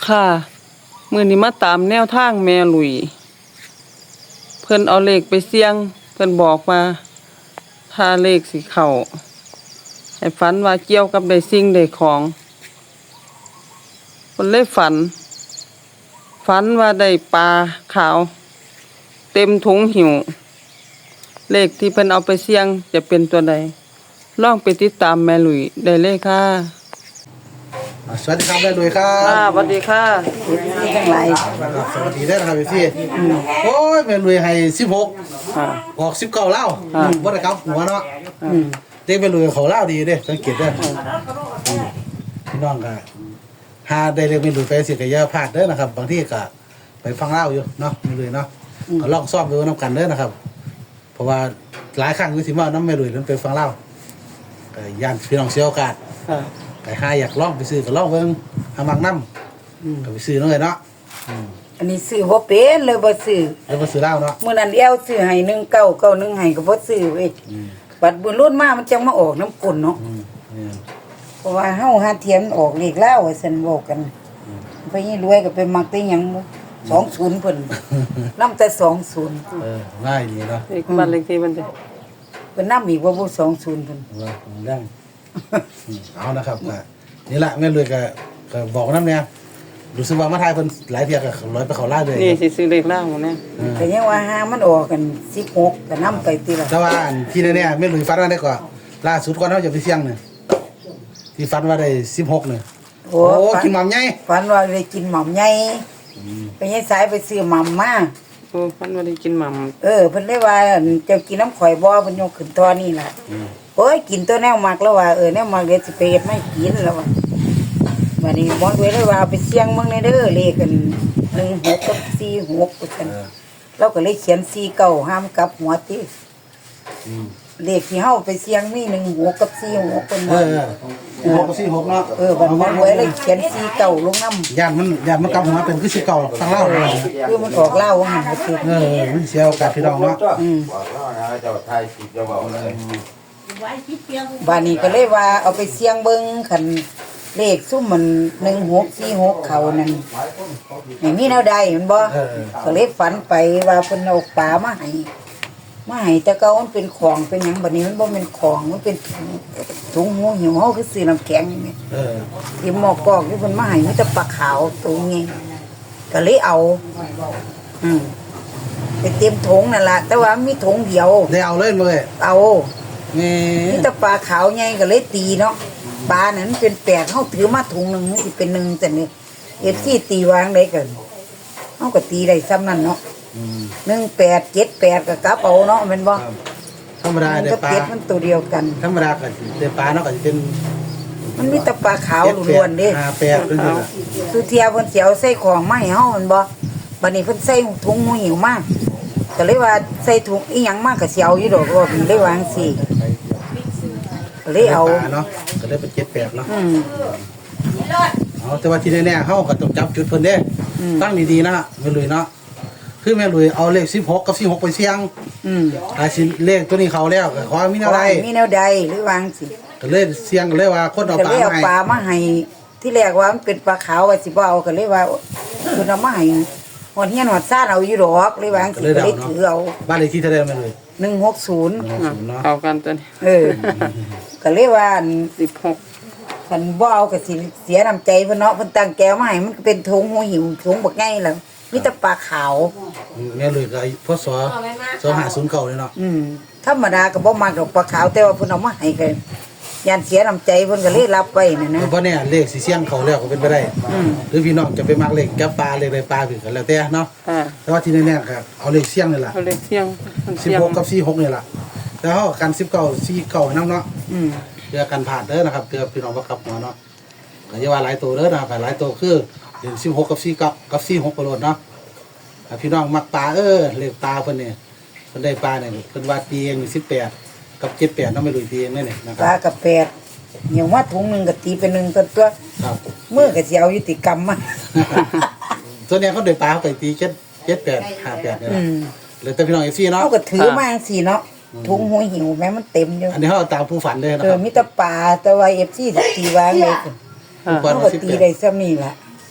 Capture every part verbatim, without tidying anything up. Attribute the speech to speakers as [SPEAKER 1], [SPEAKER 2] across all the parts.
[SPEAKER 1] ค่ะมื้อนี้มาตามแนวทางแม่หลุยเพิ่นเอาเลขไปเสี่ยงเพิ่นบอกว่าถ้าเลขสิเข้าให้ฝันว่าเกี่ยวกับได้สิ่งได้ของเพิ่นเลยฝันฝันว่าได้ปลาขาวเต็มถุงหิวเลขที่เพิ่นเอาไปเสี่ยงจะเป็นตัวใดลองไปติดตามแม่หลุยได้เลยค่ะ
[SPEAKER 2] สวัสดีครับแม่หลุยครับ
[SPEAKER 1] ค่ะสวัสดีค่ะ
[SPEAKER 3] นี่ทั้งหลาย
[SPEAKER 2] สวัสดีได้นะครับพี่โอ้ยแม่หลุยให้สิบหกออกสิบเก้าเล่าบ่ได้ครับหัวเนาะเด็กแม่หลุยเขาเล่าดีเด้สังเกตเด้อพี่น้องก็หาได้เรียกแม่หลุยไปสิก็อย่าพลาดเด้อนะครับบางทีก็ไปฟังเล่าอยู่เนาะแม่หลุยเนาะก็ลองซ่อมดูนำกันเด้อนะครับเพราะว่าหลายครั้งก็สิมาน้ำแม่หลุยนั้นไปฟังเล่าก็ย่านพี่น้องเสียโอกาสไปหาอยากลองไปซื้อก็ลองเบิ่งหามักนำก็ไปซื้อเนาะเนาะ
[SPEAKER 3] อันนี้ซื้อบ่เป็นเลยบ่ซื้อ
[SPEAKER 2] แล้วบ่ซื้อเหล้าเนาะ
[SPEAKER 3] มื้อนั้นแอวซื้อให้หนึ่งเก้าเก้าหนึ่งให้ก็บ่ซื้อเว้ยบัดบุญรุ่นมามันจังมาออกน้ำกลเนาะเพราะว่าเฮาหาเทียมออกเลขลาวว่าซั่นบอกกันไปนี่รวยก็ไปมักแต่หยังสองศูนย์เพิ่นนำแต่สองศูนย์
[SPEAKER 2] เออง่ายดีเนาะ
[SPEAKER 1] เลขบ้านเลขที่มันสิ
[SPEAKER 3] เพิ่นนำอีกว่าบ่สองศูนย์เพิ่น
[SPEAKER 2] ว่าดังเอานะครับก็นี่แหละแม่รวยก็ก็บอกนำเนี่ยรู้สึกว่ามาทายเพิ่นหลายเที่ยก็ร้อยไปเข้าลาเลย
[SPEAKER 1] นี่สิซื้อเลขล่างหมดแน่
[SPEAKER 3] ก็ยังว่าหามันออกกันสิบหกก็นำไปติล่ะ
[SPEAKER 2] แต่ว่าอันที่แน่ๆแม่รวยฝันว่าได้ก็ล่าสุดก่อนเฮาจะไปเสี่ยงนี่ที่ฝันว่าได้สิบหกนี่โอ้กินหม่ำใหญ่
[SPEAKER 3] ฝันว่าได้กินหม่ำใหญ่ไปยายสายไปซื้อหม่ำมา
[SPEAKER 1] โอ้ฝันว่าได้กินหม่ำ
[SPEAKER 3] เออเพิ่นเลยว่าเจ้ากินน้ำข่อยบ่เพิ่นยกขึ้นตอนนี้ล่ะโอ้ยกินตัวแนวมักแล้วว่าเออแนวมักเดี๋ยวสิไปเฮ็ดไม่กินแล้วว่าบัดนี้หมอด้วยเลยว่าเอาไปเสี่ยงมึงในเด้อเลขกันหนึ่งหกกับสี่หกว่าซั่นเราก็เลยเขียนสี่เก้าห้ามกลับหัวติเลขที่เฮาไปเสี่ยงมีหนึ่งหกกับสี่หกเพิ่นว่า
[SPEAKER 2] เออหกกับสี่หกเนาะ
[SPEAKER 3] เออบัดหมอด้วยเลยเขียนสี่เก้าลงนำ
[SPEAKER 2] ย่านมันย่านมันกลับหัวเป็นคือสิเก่าทางเล่าเลย
[SPEAKER 3] คือมันออกเล่าว่าหั่นสิ
[SPEAKER 2] เออมันเสียโอกาสพี่น้องเนาะ
[SPEAKER 3] อืม
[SPEAKER 4] บอกแล้วนะเจ้าไทยสิจะบอกเลย
[SPEAKER 3] บัดนี้ก็เลยว่าเอาไปเสี่ยงเบิ่งคันเลขซุ่มมันหนึ่งหกสี่หกเขานั่นไม่มีแนวใดมันบ่ก็เลยฝันไปว่าเพิ่นเอาปลามาให้มาให้แต่เก่ามันเป็นของเป็นหยังบัดนี้มันบ่แม่นของมันเป็นถุงถุงหูหิวเฮาคือซื้อน้ำแข็งนี่
[SPEAKER 2] เออ
[SPEAKER 3] ที่หม้อกอกที่เพิ่นมาให้มีแต่ปลาขาวตัวนี้ก็เลยเอาอืมไปเตรียมถุงนั่นล่ะแต่ว่ามีถุงเดียว
[SPEAKER 2] ได้เอาเลยเลย
[SPEAKER 3] เอา
[SPEAKER 2] นี่
[SPEAKER 3] มีแต่ปลาขาวใหญ่ก็เลยตีเนาะปลานั้นเป็นแปดเฮาถือมาถุงนึงมันสิเป็นหนึ่งแต่นี่เอฟซีตีวางได้กันเฮาก็ตีได้ซ้ำนั่นเนาะอืมหนึ่งแปด เจ็ดแปดก็กลับเอาเนาะแม่นบ่
[SPEAKER 2] ธรรมดาได้ปลา
[SPEAKER 3] มันตัวเดียวกัน
[SPEAKER 2] ธรรมดาก็ได้ปลาเนาะก็สิเป็น
[SPEAKER 3] มันมีแต่ปลาขาวล้วนๆเด้
[SPEAKER 2] ห้าแปดเป็นจัง
[SPEAKER 3] สุเทียเพิ่นสิเอาใส่ของมาให้เฮาแม่นบ่บัดนี้เพิ่นใส่ถุงหูหิวมาก็เลยว่าใส่ถุงอีหยังมาก็สิเอาอยู่ดอกว่าเพิ่นเลยวางสิเลยเอา
[SPEAKER 2] เนาะก็เลยเป็นเจ็ดแปดเนาะเอาแต่ว่าที่แน่ๆเขาก็ต้องจับจุดเพิ่นเด้ตั้งดีๆนะแม่ลุยเนาะคือแม่ลุยเอาเลขสิบหกกับสี่หกไปเสี่ยงอืมถ้าสิเลขตัวนี้เขาแล้วก็ขอมีแนวใด
[SPEAKER 3] มีแนวใดหรือวางสิ
[SPEAKER 2] ก็เลยเสี่ยงก็เลยว่าคนเอาปลามาให้
[SPEAKER 3] ปลามาให้ที่แรกว่ามันเป็นปลาขาวว่าสิบ่เอาก็เลยว่าคุณเอามาให้ฮอดเฮียนฮอดซ่านเอาอยู่ดอกเลยวางสิก็เลยถือเอา
[SPEAKER 2] บ้านเลขที่เท่าใดแม่ลุย
[SPEAKER 3] หนึ่งหกศูนย์
[SPEAKER 1] เอากันตัวนี้
[SPEAKER 3] เออก็เลยว่า
[SPEAKER 1] สิบหก
[SPEAKER 3] คันบ่เอาก็สิเสียน้ำใจเพิ่นเนาะเพิ่นตั้งแก้วมาให้มันเป็นถุงหัวหิวถุงบักใหญ่แล้วมีแต่ปลาขาว
[SPEAKER 2] แม่ลุยก็พศสองห้าศูนย์เก้าเลยเนาะ
[SPEAKER 3] อืมธรรมดาก็บ่มักดอกปลาขาวแต่ว่าเพิ่นเอามาให้ก็ย่านเสียน้ำใจเพิ่นก็เลยรับไว้นั่นนะ
[SPEAKER 2] เพราะเนี่ยเลขสิเสี่ยงเขาแล้วก็เป็นไปได้หรือพี่น้องจะไปมักเลขกับปลาเลขใดปลาผิดกันแล้วแต่เนาะแต่ว่าที่แน่ๆก็เอาเลขเสี่ยงนี่ล่ะ
[SPEAKER 1] เอาเลขเสี่ยง
[SPEAKER 2] สิบหกกับสี่หกนี่ล่ะแล้วเฮากันสิบเก้า สี่เก้านำเนาะอืมเพื่อกันผ่านเด้อนะครับเพื่อพี่น้องบ่กลับหัวเนาะก็อย่าว่าหลายตัวเด้อนะหลายตัวคือเดือนสิบหกกับสี่เก้ากับสี่หกก็โลดเนาะพี่น้องมักปลาเออเลขปลาเพิ่นนี่เพิ่นได้ปลาเนี่ยเพิ่นว่าตีเองสิบแปดกับเจ็ดแปดเนาะไม่รู้ตีเองได้นี่นะครับ
[SPEAKER 3] ปลากับแปดเหี่ยวว่าถุงนึงก็ตีเป็นหนึ่งตัวตัวครับมื้อก็สิเอายุติกรรมมา
[SPEAKER 2] ส่วนใหญ่เขาได้ปลาเขาไปตีเจ็ด เจ็ดแปด ห้าแปดนี่ล่ะเหลือแต่พี่น้อง เอฟ ซี เนาะ
[SPEAKER 3] เฮาก็ถือมาจังซี่เนาะถุงหัวหิวแม้มันเต็มอยู่
[SPEAKER 2] อันนี้เฮาตามผู้ฝันเด้อนะ
[SPEAKER 3] ครับเออมีแต่ปลาแต่ว่า เอฟ ซี สิตีวางเลยเฮาก็ตีได้ซ้ำนี่ล่ะ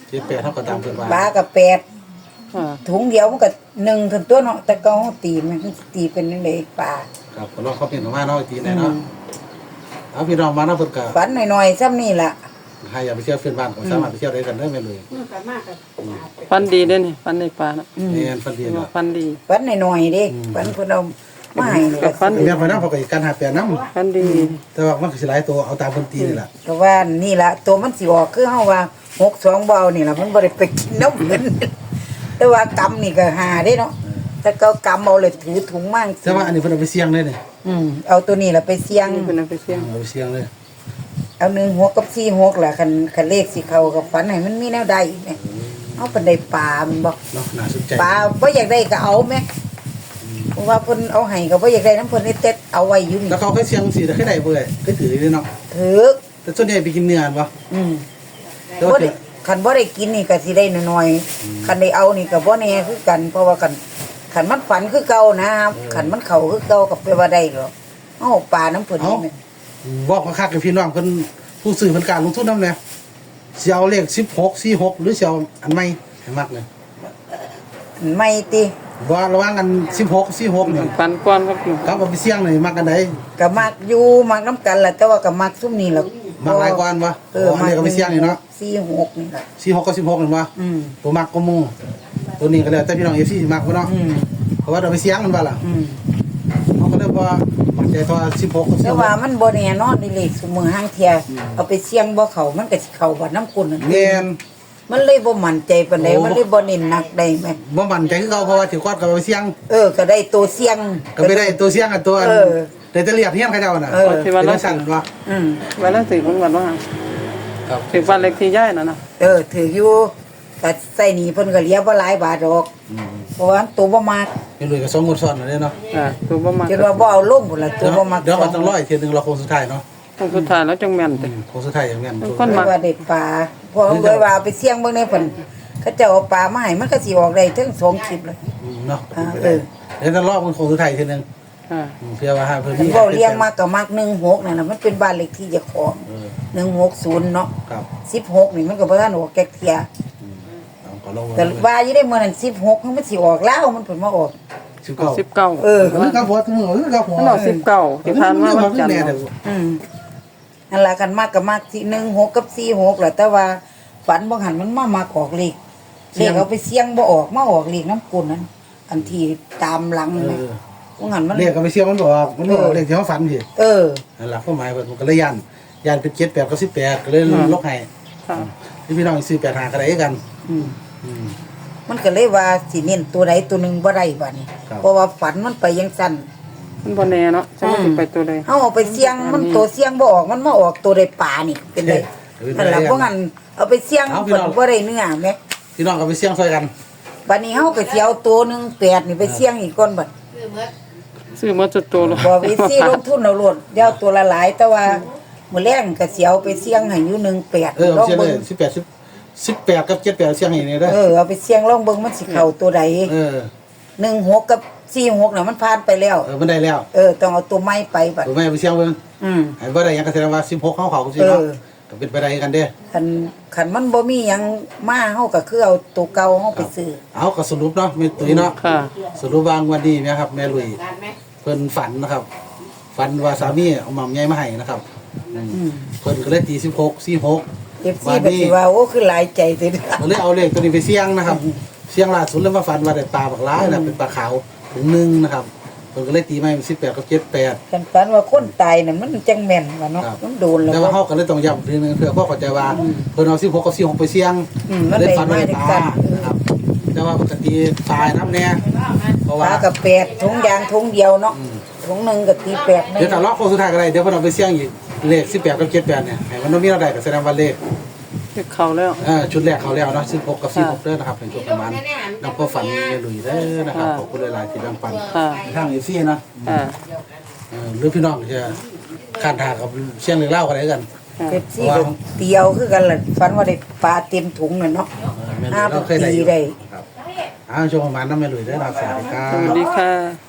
[SPEAKER 2] เจ็ดแปดเท่ากับตามเพิ่นว่า
[SPEAKER 3] ปลากับแปด
[SPEAKER 1] ค่ะ
[SPEAKER 3] ถุงเดียวมันก็หนึ่งถึงตัวเนาะแต่เก็ตีมันตีเป็นจังไดปลา
[SPEAKER 2] ครับก็ลองเขาเปลี่ยนออกมาเนาะอีกทีไหนเนาะเอาพี่น้องมาเนาะเพิ่นก็
[SPEAKER 3] ฝันหน่อยๆซ้ำนี่ล่ะ
[SPEAKER 2] ใครอยากไปเที่ยวเพื่อนบ้านก็สามารถไปเที่ยวได้กันได้แม่เลย
[SPEAKER 1] ฟันดีเด้นี่ฟันในปลาน่ะ
[SPEAKER 2] แม่นฟันเดียนเนาะ
[SPEAKER 1] ฟันดี
[SPEAKER 3] ฝันหน่อยๆเด้ฝันเพิ่นเอามาให้นี่
[SPEAKER 1] กับฟันดี
[SPEAKER 2] แม่พนักเขาก็การหาแปลน้
[SPEAKER 1] ฟันดี
[SPEAKER 2] ำแต่ว่ามันก็สิหลายตัวเอาตามเพิ่นตีนี่แหละ
[SPEAKER 3] ก็ว่านี่ล่ะตัวมันสิออกคือเฮาว่าหกสองบ่เอานี่ล่ะมันบ่ได้ไปกินน้ำเหมือนแต่ว่ากำนี่ก็หาได้เนาะแต่ก็กำเอาเลยถือถุงมั่ง
[SPEAKER 2] แต่ว่าอันนี้เพิ่นเอาไปเสี่ยงเลยนี่
[SPEAKER 3] อืมเอาตัวนี้ล่ะไปเสี่ยง
[SPEAKER 1] นี่เป็นเอาไปเสี่ยง
[SPEAKER 2] เอาไปเสี่ยงเลย
[SPEAKER 3] เอาหนึ่งหกกับสี่หกล่ะคันคันเลขสิเข้ากับฝันให้มันมีแนวใดอีกเนี่ยเอาปานใดปลามันบอก
[SPEAKER 2] เนาะน่าสนใจ
[SPEAKER 3] ปลาบ่อยากได้ก็เอาแม่เพราะว่าเพิ่นเอาให้ก็บ่อยากได้น้ำเพิ่นนี่เต็ดเอาไว้อยู่นี่
[SPEAKER 2] แล้วเขาเคยเสี่ยงสิได้เคยได้บ่เลยเคยถือเลยเนาะ
[SPEAKER 3] ถือ
[SPEAKER 2] แต่ส่วนใหญ่ไปกินเนื้อบ่
[SPEAKER 3] อืม
[SPEAKER 2] แต่
[SPEAKER 3] บ่
[SPEAKER 2] ว่า
[SPEAKER 3] ได้คันบ่ได้กินนี่ก็สิได้น้อยๆคันได้เอานี่ก็บ่แน่คือกัน เพราะว่าคันคันมันฝันคือเก่านะครับคันมันเข้าคือเก่าก็แปลว่าได้หรอกเอาปลาน้ำเพิ่นนี่แม่
[SPEAKER 2] บอกคักๆกับพี่น้องเพิ่นผู้ซื้อเพิ่นกล้าลงทุนนำแน่สิเอาเลขสิบหก สี่หกหรือสิเอาอันใหม่ให้มักเลย
[SPEAKER 3] ไม่ติ
[SPEAKER 2] บ่ระหว่างกันสิบหก สี่หกนี่
[SPEAKER 1] ฟันก้อนครับอยู่
[SPEAKER 2] ครับเอาไปเสี่ยงนี่มักกันได
[SPEAKER 3] ก็มักอยู่มักน้ำกันล่ะแต่ว่าก็มักซุมนี้ล่ะ
[SPEAKER 2] มักหลายกว่าอันบ่
[SPEAKER 3] เออ
[SPEAKER 2] อันนี้ก็ไปเสี่ยงนี่เนาะ
[SPEAKER 3] สี่หกนี่ล่ะ
[SPEAKER 2] สี่หกกับสิบหกเห็นบ่
[SPEAKER 3] อืม
[SPEAKER 2] ตัวมักก็หมู่ตัวนี้ก็แล้วแต่พี่น้อง เอฟ ซี สิมักบ่เนาะ
[SPEAKER 3] อืม
[SPEAKER 2] เพราะว่าเราไปเสี่ยงมันบ่ล่ะ
[SPEAKER 3] อืม
[SPEAKER 2] เขาก็เลยว่ามันใจตัวสิบหกกับสิ
[SPEAKER 3] แต่
[SPEAKER 2] บห
[SPEAKER 3] ว่าก มันบ่แน่นอนนี่เลขซุมือห้างเทียเอาไปเสี่ยงบ่เข้ามันก็สิเข้าบ่น้ำกุนนั่น
[SPEAKER 2] แม่น
[SPEAKER 3] มันเลยบ่มั่นใจปานใด
[SPEAKER 2] โอ้
[SPEAKER 3] มันเลยบ่เน้นหนักได้แม่
[SPEAKER 2] บ่มั่นใจคือเขาเพราะว่าถือควอดกับไปเสี่ยง
[SPEAKER 3] เออก็ได้ตัวเสี่ยง
[SPEAKER 2] ก็ไปได้ตัวเสี่ยงกับตัว
[SPEAKER 3] เออ
[SPEAKER 2] แต่จะเรียกเฮียนเขาเจ้าน่ะ
[SPEAKER 3] เออ
[SPEAKER 1] ที่ว่า
[SPEAKER 2] เป็น
[SPEAKER 1] เรา
[SPEAKER 2] สั่นว่า
[SPEAKER 3] อืม
[SPEAKER 1] ไว้แล้วสิคุณวันว่า
[SPEAKER 2] ครับ
[SPEAKER 1] ถึงฟันเล็กที่ย่ายน่ะนะ
[SPEAKER 3] เออถืออยู่แต่ใส่หนีเพิ่นก็เหลียบ่หลายบาทดอก
[SPEAKER 2] อืม
[SPEAKER 3] เพราะว่าตัวบ่มัก
[SPEAKER 2] เป็นเลยกับสองงวดซ้อนเลยเนาะ
[SPEAKER 1] อ่าตัวบ่มา
[SPEAKER 3] คิดว่าบ่เอาลงพุ่นล่ะตั
[SPEAKER 2] เดี๋
[SPEAKER 3] ว
[SPEAKER 2] ยว
[SPEAKER 3] บ่มัก
[SPEAKER 2] เดี๋ยวมันต้องร้อยเทียนึงเราคงสุดท้ายเนาะ
[SPEAKER 1] คนสุดท้ายแล้วจังแม่น
[SPEAKER 2] อื
[SPEAKER 1] แต่
[SPEAKER 2] มคงสุดท้ายอย่างนั้น
[SPEAKER 1] คน
[SPEAKER 3] เพราะว่าได้ปลาพอโดยว่าเอาไปเสี่ยงเบิ่งในเพิ่นเขาเจ้าเอาปลามาให้มันก็สิออกได้ถึงสองคลิปเลย
[SPEAKER 2] อืมเนาะ
[SPEAKER 3] อ่าเออ
[SPEAKER 2] เดี๋ยวจะรอบมันคงสุดท้ายเทีนึง
[SPEAKER 1] อ่า
[SPEAKER 2] อืมเพื่อว่าให้เพิ่น
[SPEAKER 3] มัน
[SPEAKER 2] มี
[SPEAKER 3] เว้าเลี้ยงมากก็มักหนึ่งหกนั่นน่ะมันเป็นบ้านเลขที่เจ้าของ
[SPEAKER 2] เออ
[SPEAKER 3] หนึ่งหกศูนย์เนาะ
[SPEAKER 2] ครับ
[SPEAKER 3] สิบหกนี่มันก็บ่ทันออกแก๊กเทีย
[SPEAKER 2] อืมเอาก็ลง
[SPEAKER 3] แต่ว่าอยู่ได้มื้อนั้นสิบหกมันสิออกแล้วมันเพิ่นมาออก
[SPEAKER 2] สิบเก้า
[SPEAKER 1] สิบเก้า
[SPEAKER 3] เออ
[SPEAKER 2] เออกับหัวถึงมือเออกับหัว
[SPEAKER 1] มันออกสิบเก้าที่ผ่านมาวันจันทร์
[SPEAKER 3] อืมนั่นล่ะกันมากก็มากที่หนึ่งหกกับสี่หกแหละแต่ว่าฝันบ่หันมันมามากออกเลขเลขเอาไปเสี่ยงบ่ออกมาออกเลขน้ำกุนนั้น อันที่ตามหลัง
[SPEAKER 2] เอ
[SPEAKER 3] นะ
[SPEAKER 2] อ
[SPEAKER 3] บ่หันมัน
[SPEAKER 2] เรียกก็ไปเสี่ยงมันบอกมันบอกเลขที่เขาฝันพี่
[SPEAKER 3] เออ
[SPEAKER 2] นั่นแหละความหมายเพิ่นมันก็เลยยันยันเป็นเจ็ดแปดกับสิบแปดก็เลยลกให้
[SPEAKER 1] ค่ะ
[SPEAKER 2] ที่พี่น้องซื้อแปดหากันได้กัน
[SPEAKER 3] อืม
[SPEAKER 2] อืม
[SPEAKER 3] มันก็เลยว่าสิเน้นตัวใดตัวหนึงบ่ได้บัดนี้
[SPEAKER 2] ครับ
[SPEAKER 3] เพราะว่าฝันมันไปยังสั้น
[SPEAKER 1] มันบ่แน่เนาะจะมันสิไปตัวใด
[SPEAKER 3] เฮาเอาไปเสี่ยงมันตัวเสี่ยงบ่ออกมันมาออกตัวใดป่านี่เป็นไดนั่นล่ะบ่หันเอาไปเสี่ยงเพิ่นบ่ได้เนื้อแหม
[SPEAKER 2] พี่น้องก็ไปเสี่ยงซอยกัน
[SPEAKER 3] บัดนี้เฮาก็สิเอาตัวหนึงแปดนี่ไปเสี่ยงอีกก่อนบัด
[SPEAKER 1] ซื้อมาจุดตัวเลย
[SPEAKER 3] บ่วิซีลงทุนเอาโลดเดี๋ยวตัวละหลายแต่ว่ามื้อแรงก็สิเอาไปเสี่ยงให้อยู่หนึ่งแปด
[SPEAKER 2] เออ
[SPEAKER 3] ลอง
[SPEAKER 2] เสี่ยงเล
[SPEAKER 3] เบิ่
[SPEAKER 2] ย
[SPEAKER 3] ง
[SPEAKER 2] สิบแปดสิบสิบแปดกับเจ็ดแปดเสี่ยงให้นี่ได้
[SPEAKER 3] เออเอาไปเสี่ยงลองเบิ่งมันสิเข้าตัวใด
[SPEAKER 2] เออ
[SPEAKER 3] หนึ่งหกกับสี่หกน่ะมันผ่านไปแล้ว
[SPEAKER 2] เออมันได้แล้ว
[SPEAKER 3] เออต้องเอาตัวใหม่ไปบัด
[SPEAKER 2] ถูกไหมไปเสี่ยงเบิ่ง
[SPEAKER 3] อืม
[SPEAKER 2] ให้บ่ได้หยังก็แสดงว่าสิบหกเขาเขาสิเนาะ
[SPEAKER 3] เออ
[SPEAKER 2] ก็เป็นไปได้กันเด้
[SPEAKER 3] คันคันมันบ่มีหยังมาเฮาก็คือเอาตัวเก่าเฮาไปซื้อ
[SPEAKER 2] เอาก็สรุปเนาะแม่ตุ้ยเนาะ
[SPEAKER 1] ค่ะ
[SPEAKER 2] สรุปวางวันนี้นะครับแม่ลุยเพิ่นฝันนะครับ ฝันว่าสามีเอาหม่ำใหญ่มาให้นะครับอืม
[SPEAKER 3] อืม
[SPEAKER 2] เพิ่นก็เลยตีสิบหก สี่หก
[SPEAKER 3] เอฟซีก็สิว่าโอ้คือหลายใจเด้อ
[SPEAKER 2] ก็เลยเอาเลขตัวนี้ไปเสี่ยงนะครับ เสี่ยงล่าสุดแล้วมาฝันว่าได้ปลาบักร้ายนะเป็นปลาขาวถึงหนึ่งนะครับเพิ่นก็เลยตีมาเป็นสิบแปดกับเจ็ดแปด
[SPEAKER 3] คันฝันว่าคนตายนั่นมันจังแม่นว่าเนาะ
[SPEAKER 2] ครับ
[SPEAKER 3] มันโดนแล้ว
[SPEAKER 2] แต่ว่าเขาก็เลยต้องย้ำทีนึงเพื่อพ่อเข้าใจว่าเพิ่นเอาสิบหกกับสี่หกไปเสี่ยง
[SPEAKER 3] อืมมัน
[SPEAKER 2] เลย
[SPEAKER 3] ได้
[SPEAKER 2] ฝันว่าได้ป
[SPEAKER 3] มา
[SPEAKER 2] ลา
[SPEAKER 3] ด้วยกัน
[SPEAKER 2] นะครับแต่ว่าปกติตายน้ำเนี่ยเพราะ
[SPEAKER 3] ป
[SPEAKER 2] ว่า
[SPEAKER 3] ลากับแปดถุงยางถุงเดียวเนาะถุงหนึงก็ตีแปดหนึง
[SPEAKER 2] เดี๋ยวถ้ารอบโค้งสุดท้ายก็ได้เดี๋ยวเพิ่นเอาไปเสี่ยงอีกเลขสิบแปดกับเจ็ดแปดเนี่ยให้มันต้องมีเราได้ก็แสดงว่าเลข
[SPEAKER 1] ที่เข้าแล้ว
[SPEAKER 2] เออชุดแรกเขาแล้วเนาะสิบหกกับสี่หกเด้อนะครับเป็นช่วงประมาณนับก็ฝันในลุยเด้อนะครับขอบคุณหลายๆที่แบ่งปัน
[SPEAKER 1] ค่ะ
[SPEAKER 2] ทางเอฟซีนะ
[SPEAKER 1] อ่า
[SPEAKER 2] เออหรือพี่น้องจะข้านทางกับเชียงหรือเล่ากันได้กัน
[SPEAKER 3] เอฟซีก็เตียวคือกันล่ะฝันว่าได้ปลาเต็มถุงน่ะเนาะ
[SPEAKER 2] เออแม่ลุ
[SPEAKER 3] ห้าย
[SPEAKER 2] เราเคยได้
[SPEAKER 3] ปี
[SPEAKER 2] อยู่
[SPEAKER 3] ได้
[SPEAKER 2] ครับอ้าวช่วงประมาณนั้นแม่ลุยได้อนะครับสวัสดีครั
[SPEAKER 1] สวัส
[SPEAKER 2] บ
[SPEAKER 1] ดีค่ะ